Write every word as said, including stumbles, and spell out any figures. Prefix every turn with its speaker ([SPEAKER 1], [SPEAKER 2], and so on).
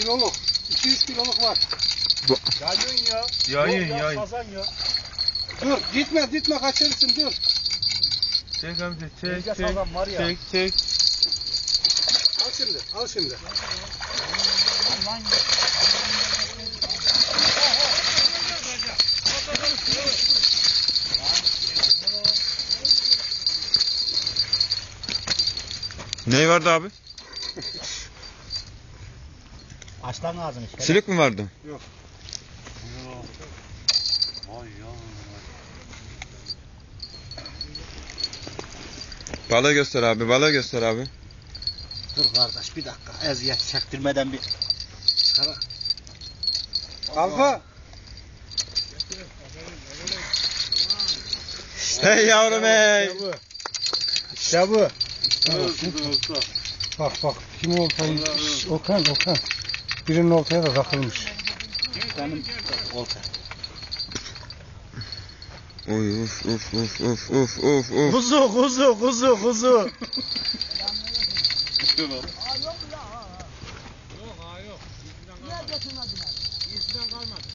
[SPEAKER 1] kiloluk. iki yüz kiloluk var.
[SPEAKER 2] Bu...
[SPEAKER 3] Yayın ya.
[SPEAKER 2] Yayın
[SPEAKER 3] Yok ya,
[SPEAKER 2] yayın.
[SPEAKER 3] Kazan ya.
[SPEAKER 1] Dur gitme gitme kaçırırsın dur.
[SPEAKER 2] Çek amca çek
[SPEAKER 3] Tezgah
[SPEAKER 2] çek
[SPEAKER 3] sazan var ya.
[SPEAKER 2] çek çek.
[SPEAKER 1] Al şimdi al şimdi.
[SPEAKER 2] Ne vardı abi?
[SPEAKER 3] Aslan ağzını.
[SPEAKER 2] Silik mi vardı?
[SPEAKER 1] Yok.
[SPEAKER 3] Vay ya.
[SPEAKER 2] Balığı göster abi, balığı göster abi.
[SPEAKER 3] Dur kardeş bir dakika. Eziyet çektirmeden bir çıkara.
[SPEAKER 1] Alfa.
[SPEAKER 2] Hey yavrum hey.
[SPEAKER 1] İşte bu. Bak bak kim oltayı? Okan Okan. Birinin oltaya da takılmış.
[SPEAKER 3] Benim olta.
[SPEAKER 2] Oy uf uf uf uf uf uf uf.
[SPEAKER 3] Kuzu kuzu kuzu kuzu.